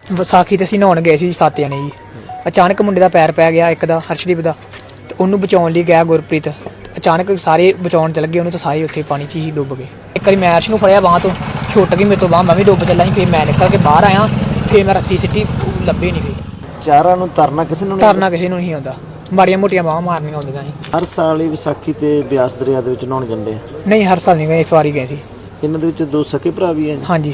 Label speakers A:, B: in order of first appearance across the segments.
A: ਵਿਸਾਖੀ ਤੇ ਅਸੀਂ ਨਹਾਉਣ ਗਏ ਸੀ 7 ਜਣੇ ਜੀ। ਅਚਾਨਕ ਮੁੰਡੇ ਦਾ ਪੈਰ ਪੈ ਗਿਆ, ਇੱਕ ਦਾ ਹਰਸ਼ਦੀਪ ਦਾ, ਤੇ ਉਹਨੂੰ ਬਚਾਉਣ ਲਈ ਗਿਆ ਗੁਰਪ੍ਰੀਤ। ਅਚਾਨਕ ਸਾਰੇ ਬਚਾਉਣ ਚੱਲ ਗਏ ਉਹਨੂੰ, ਤਾਂ ਸਾਰੇ ਉੱਥੇ ਪਾਣੀ 'ਚ ਹੀ ਡੁੱਬ ਗਏ। ਇੱਕ ਵਾਰੀ ਮੈਂ ਅਰਸ਼ ਨੂੰ ਫੜਿਆ ਬਾਂਹ ਤੋਂ, ਛੁੱਟ ਗਈ ਮੇਰੇ ਤੋਂ ਬਾਂਹ, ਮੈਂ ਵੀ ਡੁੱਬ ਚੱਲਾ ਸੀ। ਫਿਰ ਮੈਂ ਨਿਕਲ ਕੇ ਬਾਹਰ ਆਇਆ, ਫਿਰ ਮੈਂ ਰੱਸੀ ਸਿੱਟੀ, ਲੱਭੇ ਨਹੀਂ ਗਈ।
B: ਚਾਰਾਂ ਨੂੰ ਤਰਨਾ ਕਿਸੇ ਨੂੰ
A: ਨਹੀਂ ਆਉਂਦਾ, ਮਾੜੀਆਂ ਮੋਟੀਆਂ ਬਾਹਾਂ ਮਾਰਨੀਆਂ ਆਉਂਦੀਆਂ ਸੀ।
B: ਹਰ ਸਾਲ ਹੀ ਵਿਸਾਖੀ ਤੇ ਬਿਆਸ ਦਰਿਆ ਦੇ ਵਿੱਚ ਨਹਾਉਣ ਜਾਂਦੇ ਆ?
A: ਨਹੀਂ, ਹਰ ਸਾਲ ਨਹੀਂ ਗਏ, ਇਸ ਵਾਰੀ ਗਏ ਸੀ।
B: ਇਹਨਾਂ ਦੇ ਵਿੱਚ ਦੋ ਸਕੇ ਭਰਾ ਵੀ ਹੈ?
A: ਹਾਂਜੀ।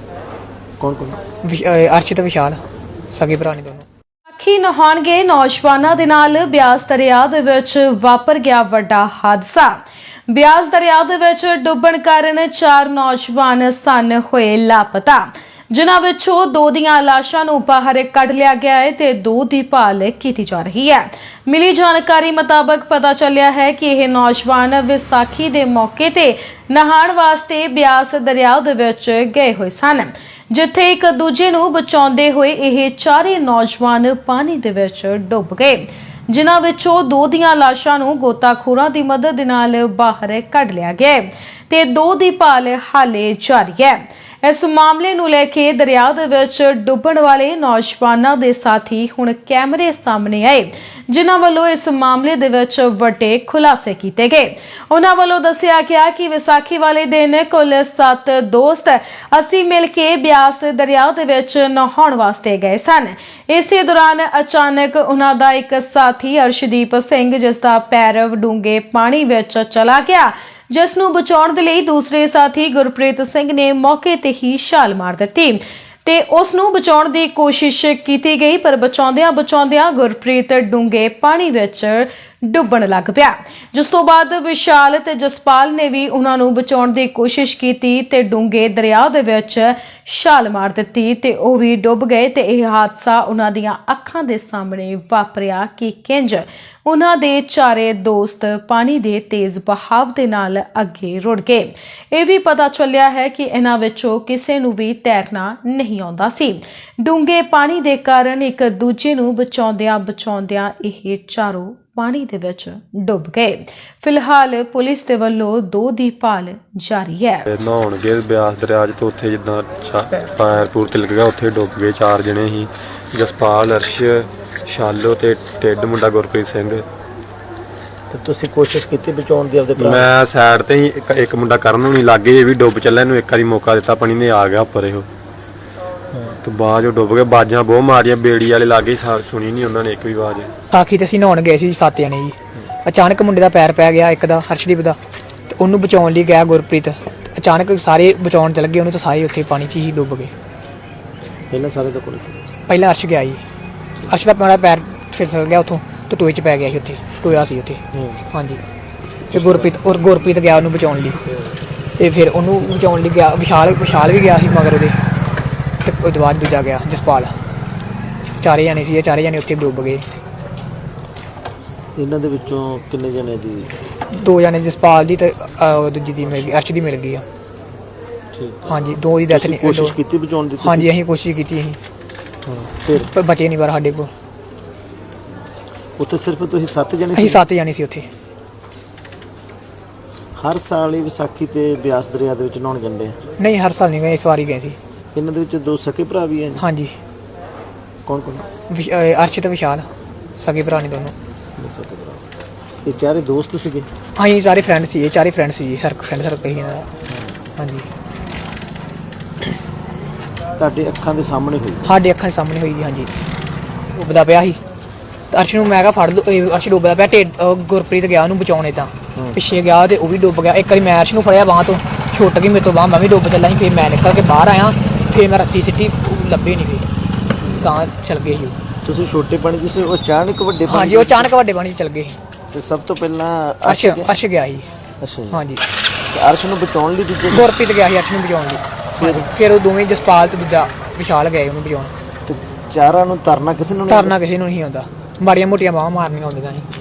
B: ਕੌਣ ਕੌਣ?
A: ਅਰਸ਼ ਤੇ ਵਿਸ਼ਾਲ, ਸਗੇ ਭਰਾ ਨੇ ਦੋਨੋਂ।
C: ਵਿਸਾਖੀ ਨਹਾਉਣ ਗਏ ਨੌਜਵਾਨਾਂ ਦੇ ਨਾਲ ਬਿਆਸ ਦਰਿਆ ਦੇ ਵਿੱਚ ਵਾਪਰ ਗਿਆ ਵੱਡਾ ਹਾਦਸਾ। ਬਿਆਸ ਦਰਿਆ ਦੇ ਵਿੱਚ ਡੁੱਬਣ ਕਾਰਨ 4 ਨੌਜਵਾਨ ਸਨ ਹੋਏ ਲਾਪਤਾ, ਜਿਨ੍ਹਾਂ ਵਿੱਚੋਂ 2 ਦੀਆਂ ਲਾਸ਼ਾਂ ਨੂੰ ਬਾਹਰ ਕੱਢ ਲਿਆ ਗਿਆ ਹੈ ਤੇ 2 ਦੀ ਭਾਲ ਕੀਤੀ ਜਾ ਰਹੀ ਹੈ। ਮਿਲੀ ਜਾਣਕਾਰੀ ਮੁਤਾਬਕ ਪਤਾ ਚੱਲਿਆ ਹੈ ਕਿ ਇਹ ਨੌਜਵਾਨ ਵਿਸਾਖੀ ਦੇ ਮੌਕੇ ਤੇ ਨਹਾਉਣ ਵਾਸਤੇ ਬਿਆਸ ਦਰਿਆ ਦੇ ਵਿੱਚ ਗਏ ਹੋਏ ਸਨ, ਜਿੱਥੇ ਇੱਕ ਦੂਜੇ ਨੂੰ ਬਚਾਉਂਦੇ ਹੋਏ ਇਹ ਚਾਰੇ ਨੌਜਵਾਨ ਪਾਣੀ ਦੇ ਵਿੱਚ ਡੁੱਬ ਗਏ, ਜਿਨ੍ਹਾਂ ਵਿੱਚੋਂ 2 ਦੀਆਂ ਲਾਸ਼ਾਂ ਨੂੰ ਗੋਤਾਖੋਰਾਂ ਦੀ ਮਦਦ ਨਾਲ ਬਾਹਰ ਕੱਢ ਲਿਆ ਗਿਆ ਤੇ 2 ਦੀ ਭਾਲ ਹਾਲੇ ਜਾਰੀ ਹੈ। ਇਸ ਮਾਮਲੇ ਨੂੰ ਲੈ ਕੇ ਦਰਿਆ ਦੇ ਵਿੱਚ ਡੁੱਬਣ ਵਾਲੇ ਨੌਜਵਾਨਾਂ ਦੇ ਸਾਥੀ ਹੁਣ ਕੈਮਰੇ ਸਾਹਮਣੇ ਆਏ, ਜਿਨ੍ਹਾਂ ਵੱਲੋਂ ਇਸ ਮਾਮਲੇ ਦੇ ਵਿੱਚ ਵੱਡੇ ਖੁਲਾਸੇ ਕੀਤੇ ਗਏ। ਉਹਨਾਂ ਵੱਲੋਂ ਦੱਸਿਆ ਗਿਆ ਕਿ ਵਿਸਾਖੀ ਵਾਲੇ ਦਿਨ ਕੁੱਲ 7 ਦੋਸਤ ਅਸੀਂ ਮਿਲ ਕੇ ਬਿਆਸ ਦਰਿਆ ਦੇ ਵਿੱਚ ਨਹਾਉਣ ਵਾਸਤੇ ਗਏ ਸਨ। ਇਸੇ ਦੌਰਾਨ ਅਚਾਨਕ ਉਹਨਾਂ ਦਾ ਇੱਕ ਸਾਥੀ ਅਰਸ਼ਦੀਪ ਸਿੰਘ, ਜਿਸ ਦਾ ਪੈਰ ਡੂੰਘੇ ਪਾਣੀ ਵਿੱਚ ਚਲਾ ਗਿਆ, ਜਿਸ ਨੂੰ ਬਚਾਉਣ ਦੇ ਲਈ ਦੂਸਰੇ ਸਾਥੀ ਗੁਰਪ੍ਰੀਤ ਸਿੰਘ ਨੇ ਮੌਕੇ ਤੇ ਹੀ ਛਾਲ ਮਾਰ ਦਿੱਤੀ ਤੇ ਉਸ ਨੂੰ ਬਚਾਉਣ ਦੀ ਕੋਸ਼ਿਸ਼ ਕੀਤੀ ਗਈ, ਪਰ ਬਚਾਉਂਦਿਆਂ ਗੁਰਪ੍ਰੀਤ ਡੂੰਘੇ ਪਾਣੀ ਵਿੱਚ ਡੁੱਬਣ ਲੱਗ ਪਿਆ, ਜਿਸ ਤੋਂ ਬਾਅਦ ਵਿਸ਼ਾਲ ਤੇ ਜਸਪਾਲ ਨੇ ਵੀ ਉਹਨਾਂ ਨੂੰ ਬਚਾਉਣ ਦੀ ਕੋਸ਼ਿਸ਼ ਕੀਤੀ ਤੇ ਡੂੰਘੇ ਦਰਿਆ ਦੇ ਵਿੱਚ ਛਾਲ ਮਾਰ ਦਿੱਤੀ ਤੇ ਉਹ ਵੀ ਡੁੱਬ ਗਏ। ਤੇ ਇਹ ਹਾਦਸਾ ਉਹਨਾਂ ਦੀਆਂ ਅੱਖਾਂ ਦੇ ਸਾਹਮਣੇ ਵਾਪਰਿਆ ਕਿ ਕਿੰਜ ਉਹਨਾਂ ਦੇ ਚਾਰੇ ਦੋਸਤ ਪਾਣੀ ਦੇ ਤੇਜ਼ ਬਹਾਵ ਦੇ ਨਾਲ ਅੱਗੇ ਰੁੜ ਗਏ। ਇਹ ਵੀ ਪਤਾ ਚੱਲਿਆ ਹੈ ਕਿ ਇਹਨਾਂ ਵਿੱਚੋਂ ਕਿਸੇ ਨੂੰ ਵੀ ਤੈਰਨਾ ਨਹੀਂ ਆਉਂਦਾ ਸੀ। ਡੂੰਘੇ ਪਾਣੀ ਦੇ ਕਾਰਨ ਇੱਕ ਦੂਜੇ ਨੂੰ ਬਚਾਉਂਦਿਆਂ ਇਹ ਚਾਰੋਂ ਪਾਣੀ ਦੇ ਵਿੱਚ ਡੁੱਬ ਗਏ। ਫਿਲਹਾਲ ਪੁਲਿਸ ਦੇ ਵੱਲੋਂ 2 ਦੀ ਭਾਲ ਜਾਰੀ ਹੈ।
D: ਨਹਾਉਣ ਗਏ ਬਿਆਸ ਦਰਿਆ 'ਚ, ਤੇ ਉੱਥੇ ਜਿੱਦਾਂ ਪੈਰ ਪੂਰ ਤਿਲਕ ਗਿਆ, ਉੱਥੇ ਡੁੱਬ ਗਏ। 4 ਜਣੇ ਸੀ, ਜਸਪਾਲ, ਅਰਸ਼, ਸ਼ਾਲੋ ਤੇ ਟਿੱਡ ਮੁੰਡਾ ਗੁਰਪ੍ਰੀਤ ਸਿੰਘ।
B: ਤੇ ਤੁਸੀਂ ਕੋਸ਼ਿਸ਼ ਕੀਤੀ ਬਚਾਉਣ ਦੀ ਆਪਦੇ ਭਰਾ?
D: ਮੈਂ ਸਾਈਡ ਤੇ ਹੀ, ਇੱਕ ਮੁੰਡਾ ਕਰਨ ਨੂੰ ਨਹੀਂ ਲੱਗੇ, ਇਹ ਵੀ ਡੁੱਬ ਚੱਲਿਆ। ਇਹਨੂੰ ਇੱਕ ਵਾਰੀ ਮੌਕਾ ਦਿੱਤਾ, ਪਾਣੀ ਨੇ ਆ ਗਿਆ ਉੱਪਰ ਇਹੋ, ਤੇ ਬਾਅਦ ਡੁੱਬ ਗਏ। ਬਾਜਾਂ ਬਹੁਤ ਮਾਰੀਆਂ, ਬੇੜੀ ਵਾਲੇ ਲਾਗੇ, ਸੁਣੀ ਨਹੀਂ ਉਹਨਾਂ ਨੇ ਇੱਕ ਵੀ ਆਵਾਜ਼।
A: ਵਿਸਾਖੀ ਤੇ ਅਸੀਂ ਨਹਾਉਣ ਗਏ ਸੀ 7 ਜਣੇ ਜੀ। ਅਚਾਨਕ ਮੁੰਡੇ ਦਾ ਪੈਰ ਪੈ ਗਿਆ, ਇੱਕ ਦਾ ਹਰਸ਼ਦੀਪ ਦਾ, ਤੇ ਉਹਨੂੰ ਬਚਾਉਣ ਲਈ ਗਿਆ ਗੁਰਪ੍ਰੀਤ। ਅਚਾਨਕ ਸਾਰੇ ਬਚਾਉਣ ਚੱਲ ਗਏ ਉਹਨੂੰ, ਤਾਂ ਸਾਰੇ ਉੱਥੇ ਪਾਣੀ 'ਚ ਹੀ ਡੁੱਬ ਗਏ।
B: ਪਹਿਲਾਂ ਸਾਰੇ ਤੋਂ ਕੋਲ ਸੀ?
A: ਪਹਿਲਾਂ ਅਰਸ਼ ਗਿਆ ਜੀ। ਅਰਸ਼ ਦਾ ਮੇਰਾ ਪੈਰ ਫਿਸਲ ਗਿਆ ਉੱਥੋਂ, ਤੇ ਟੋਏ 'ਚ ਪੈ ਗਿਆ ਸੀ, ਉੱਥੇ ਟੋਇਆ ਸੀ ਉੱਥੇ। ਹਾਂਜੀ। ਤੇ ਗੁਰਪ੍ਰੀਤ ਗਿਆ ਉਹਨੂੰ ਬਚਾਉਣ ਲਈ, ਤੇ ਫਿਰ ਉਹਨੂੰ ਬਚਾਉਣ ਲਈ ਗਿਆ ਵਿਸ਼ਾਲ ਵੀ ਗਿਆ ਸੀ ਮਗਰ ਉਹਦੇ, ਤੇ ਉਹਦੇ ਬਾਅਦ ਦੂਜਾ ਗਿਆ ਜਸਪਾਲ। 4 ਜਣੇ ਸੀ, ਇਹ 4 ਜਣੇ ਉੱਥੇ ਡੁੱਬ ਗਏ।
B: ਇਹਨਾਂ ਦੇ ਵਿੱਚੋਂ ਕਿੰਨੇ ਜਣੇ ਦੀ?
A: 2 ਜਣੇ ਜਸਪਾਲ ਦੀ ਤੇ ਦੂਜੀ ਦੀ ਮਿਲ ਗਈ, ਅਰਸ਼ ਦੀ ਮਿਲ ਗਈ ਆ।
B: ਠੀਕ।
A: ਹਾਂਜੀ, 2 ਦੀ ਡੈਥ ਨਹੀਂ।
B: ਕੋਸ਼ਿਸ਼ ਕੀਤੀ ਬਚਾਉਣ ਦੀ?
A: ਹਾਂਜੀ, ਅਸੀਂ ਕੋਸ਼ਿਸ਼ ਕੀਤੀ ਸੀ, ਪਰ ਬਚੇ ਨਹੀਂ। ਪਰ ਸਾਡੇ ਕੋਲ
B: ਉੱਥੇ ਸਿਰਫ ਤੁਸੀਂ 7 ਜਣੇ
A: ਅਸੀਂ
B: ਸੀ?
A: 7 ਜਣੇ ਸੀ ਉੱਥੇ।
B: ਹਰ ਸਾਲ ਹੀ ਵਿਸਾਖੀ ਤੇ ਬਿਆਸ ਦਰਿਆ ਦੇ ਵਿੱਚ ਨਹਾਉਣ ਜਾਂਦੇ ਆ?
A: ਨਹੀਂ, ਹਰ ਸਾਲ ਨਹੀਂ ਗਏ, ਇਸ ਵਾਰੀ ਗਏ ਸੀ।
B: ਇਹਨਾਂ ਦੇ ਵਿੱਚ 2 ਸਕੇ ਭਰਾ ਵੀ ਹੈ?
A: ਹਾਂਜੀ।
B: ਕੌਣ ਕੌਣ?
A: ਅਰਸ਼ ਤੇ ਵਿਸ਼ਾਲ, ਸਗੇ ਭਰਾ ਨੇ ਦੋਨੋਂ।
B: ਸਕੇ ਭਰਾ। ਇਹ ਚਾਰੇ ਦੋਸਤ ਸੀਗੇ?
A: ਅਸੀਂ ਸਾਰੇ ਫਰੈਂਡ ਸੀ, ਇਹ 4 ਫਰੈਂਡ ਸੀ ਜੀ, ਫਰੈਂਡ ਸਰਕਲ ਹੀ ਇਹਨਾਂ ਦਾ। ਹਾਂਜੀ।
B: ਤੁਹਾਡੇ ਅੱਖਾਂ ਦੇ ਸਾਹਮਣੇ ਹੋਈ?
A: ਸਾਡੇ ਅੱਖਾਂ ਦੇ ਸਾਹਮਣੇ ਹੋਈ ਜੀ। ਹਾਂਜੀ। ਡੁੱਬਦਾ ਪਿਆ ਸੀ, ਤੇ ਅਰਸ਼ ਨੂੰ ਮੈਂ ਕਿਹਾ ਫੜ ਲਓ। ਅਰਸ਼ ਡੁੱਬਦਾ ਪਿਆ, ਗੁਰਪ੍ਰੀਤ ਗਿਆ ਉਹਨੂੰ ਬਚਾਉਣੇ, ਤਾਂ ਪਿੱਛੇ ਗਿਆ ਤੇ ਉਹ ਵੀ ਡੁੱਬ ਗਿਆ। ਇੱਕ ਵਾਰੀ ਮੈਂ ਅਰਸ਼ ਨੂੰ ਫੜਿਆ ਬਾਂਹ ਤੋਂ, ਛੁੱਟ ਗਈ ਮੇਰੇ ਤੋਂ ਬਾਂਹ, ਮੈਂ ਵੀ ਡੁੱਬ ਚੱਲਾ ਸੀ। ਫਿਰ ਮੈਂ ਨਿਕਲ ਕੇ ਬਾਹਰ ਆਇਆ, ਫਿਰ ਮੈਂ ਰੱਸੀ ਸਿੱਟੀ, ਲੱਭੇ ਨਹੀਂ ਗਈ, ਤਾਂ ਚਲ ਗਏ ਸੀ।
B: ਤੁਸੀਂ ਛੋਟੇ ਪਾਣੀ ਜਿਸੇ ਉਹ ਅਚਾਨਕ ਵੱਡੇ ਪਾਣੀ?
A: ਹਾਂਜੀ, ਉਹ ਅਚਾਨਕ ਵੱਡੇ ਪਾਣੀ 'ਚ ਚਲ ਗਏ।
B: ਤੇ ਸਭ ਤੋਂ ਪਹਿਲਾਂ
A: ਅਰਸ਼ ਗਿਆ ਸੀ।
B: ਅੱਛਾ ਜੀ।
A: ਹਾਂਜੀ।
B: ਤੇ ਅਰਸ਼ ਨੂੰ ਬਚਾਉਣ ਲਈ ਦੂਜੇ?
A: ਗੁਰਪ੍ਰੀਤ ਗਿਆ ਸੀ ਅਰਸ਼ ਨੂੰ ਬਚਾਉਣ ਲਈ। ਫਿਰ ਉਹ ਦੋਵੇਂ ਜਸਪਾਲ ਤੇ ਦੂਜਾ ਵਿਸ਼ਾਲ ਗਏ ਉਹਨੂੰ ਬਚਾਉਣ।
B: ਤੇ ਚਾਰਾਂ ਨੂੰ ਤਰਨਾ ਕਿਸੇ ਨੂੰ
A: ਨਹੀਂ ਆਉਂਦਾ, ਮਾੜੀਆਂ ਮੋਟੀਆਂ ਬਾਹਾਂ ਮਾਰਨੀਆਂ ਆਉਂਦੀਆਂ ਸੀ।